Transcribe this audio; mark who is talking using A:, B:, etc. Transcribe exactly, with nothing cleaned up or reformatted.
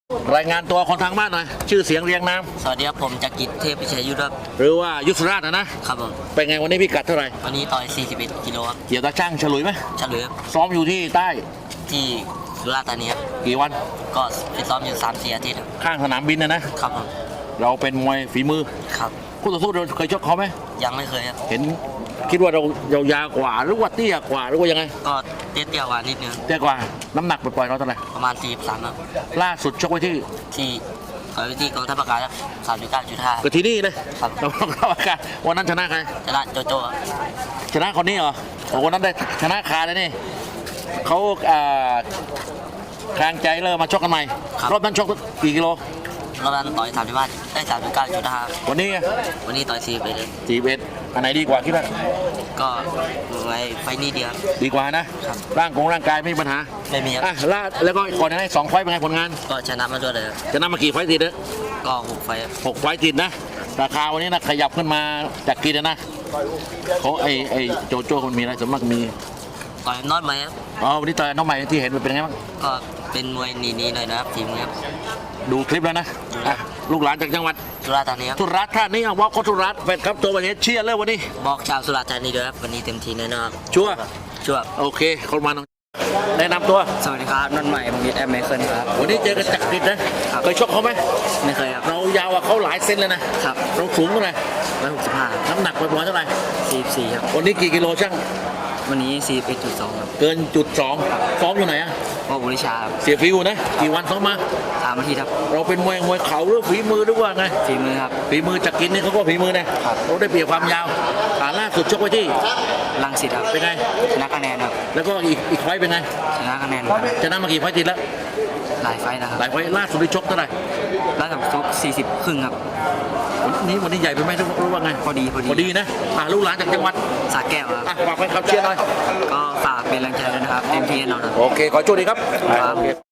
A: รายงานตัวคนทางบ้านหน่อยชื่อเสียงเรียงนาม
B: สวัสดีครับผมจักริดเทพพิชัยยุทธครับ
A: หรือว่ายุทธราชนะนะครับ
B: ผม
A: เป็นไงวันนี้พี่กัดเท่าไหร่
B: วันนี้ต่อยสี่สิบเอ็ดกิโลครับ
A: เกี่ยวตาช่างฉลุยไหม
B: เฉลยครับ
A: ซ้อมอยู่ที่ใต้
B: ที่สุราษฎร์ธานีครับ
A: กี่วัน
B: ก็ฟิตซ้อมอยู่สามสี่อาทิตย์ครับ
A: ข้างสนามบินนะนะครับ
B: ผม
A: เราเป็นมวยฝีมือ
B: ครับ
A: คู่ต่อสู้เราเคยชกเขาไหม
B: ยังไม่เคยครับ
A: เห็นคิดว่าเราเรายาวกว่าหรือว่าเตี้ยกว่าหรือว่ายังไง
B: ก็เตี้ยเตี้ยกว่านิดนึง
A: เตี้ยกว่าน้ำหนักปล่อยๆเราเท่าไหร่
B: ประมาณสี่สิบสามครับ
A: ล่าสุดชกไว้ที่
B: ที่ต่อยที่กองทัพอากาศครับสามสิบเก้าจุดห้า
A: ก็ที่นี่เลย
B: ครับ
A: กองทัพอากาศวันนั้นชนะใคร
B: ชนะโจโจ้
A: ชนะคนนี้เหรอวันนั้นได้ชนะคาเลยนี่เขาอ่าแข่งใจเลยมาชกกันใหม่รอบนั้นชกกี่กิโล
B: รอบนั้นต่อยสามสิบห้าได้สามสิบเก้าจุดห้า
A: วันนี้
B: วันนี้ต่อยสี่สิบเอ็ด
A: สี่สิบเอ็ดอันไหนดีกว่าคิดว่า
B: ก็ไว้ไฟนี้เดียว
A: ดีกว่านะร่างกงร่างกายไม่มีปัญหา
B: ไม่มีครับ
A: อ่ะล่าแล้วก็ก่อนหน้านี้สองไฟเป็นไงผลงาน
B: ก็ชนะมาด้วยเลย
A: ชนะมากี่ไฟติดเนี่ย
B: ก็หกไฟ
A: หกไฟติดนะราคาวันนี้นะขยับขึ้นมาจากกินนะเขาไอไอโจโจ้คนมีอะไรสมมติมี
B: ต่อยน็อตไหมครับ
A: อ๋อวันนี้ต่อยน้องใหม่ที่เห็นเป็นไงบ้าง
B: ก็เป็นมวยหนีๆหน่อยนะครับทีมครับ
A: ดูคลิปแล้วนะลูกหลานจากจังหวัด
B: สุราษฎร์ธานีครับ
A: สุราษฎร์ธานีบอกคนสุราษฎร์แฟนครับตัวประเทศเชียร์เลยวันนี้
B: บอกชาวสุราษฎร์ธานีด้วยครับวันนี้เต็มทีแน่นอน
A: ชัวร์
B: ชัวร์
A: โอเคคนมาแนะนำตัว
B: สวัสดีครับนนท์ใหม่ผมยิดแอมเมเคิลครับ
A: วันนี้เจอกันจักริดนะเคยชกเขาไหม
B: ไม่เคยครับ
A: เรายาวกว่าเขาหลายเซนเลยนะครับเราสูงเท่าไหร่
B: ร้อยหกสิบห้า
A: น้ำหนักประมาณเท่าไหร่
B: สี่สิบสี่ครับ
A: วันนี้กี่กิโลช่าง
B: วันนี้สี่สิบเอ็ดจุดสองครับ
A: เกินจุดสองซ้อมอยู่ไหนอะ
B: พ่อบุริชาครับ
A: เสียฟิวนะกี่วันซ้อมมา
B: สามอาทิตย์ครับ
A: เราเป็นมวยมวยเข่าหรือฝีมือหรือว่าไง
B: ฝีมือครับ
A: ฝีมือจักริดนี่เขาก็ฝีมือนะเราได้เปรียบความยาวขาล่าสุดชกไว้ที่
B: ลังสิตครับ
A: เป็นไง
B: ชนะคะแนนครับ
A: แล้วก็อีกอีกไฟเป็นไง
B: ชนะคะแนน
A: ชนะมากี่ไฟติดแล้ว
B: หลายไฟนะครับ
A: หลายไฟล่าสุดได้ชกเท่าไหร่
B: ล่าสุดชกสี่สิบครึ่งครับ
A: วันนี้วันนี้ใหญ่ไปไหมรู้ว่าไง
B: พอดีพอดี
A: พอดีนะอ่ะลูกหลานจากจังหวัด
B: สระแก้วครับ
A: ฝากไปขับเชียร์หน่อย
B: ก็ฝากเป็นแรงใจด้วยนะครับเต็มที่แน่นอนครับ
A: โอเคขอโชคดีครับ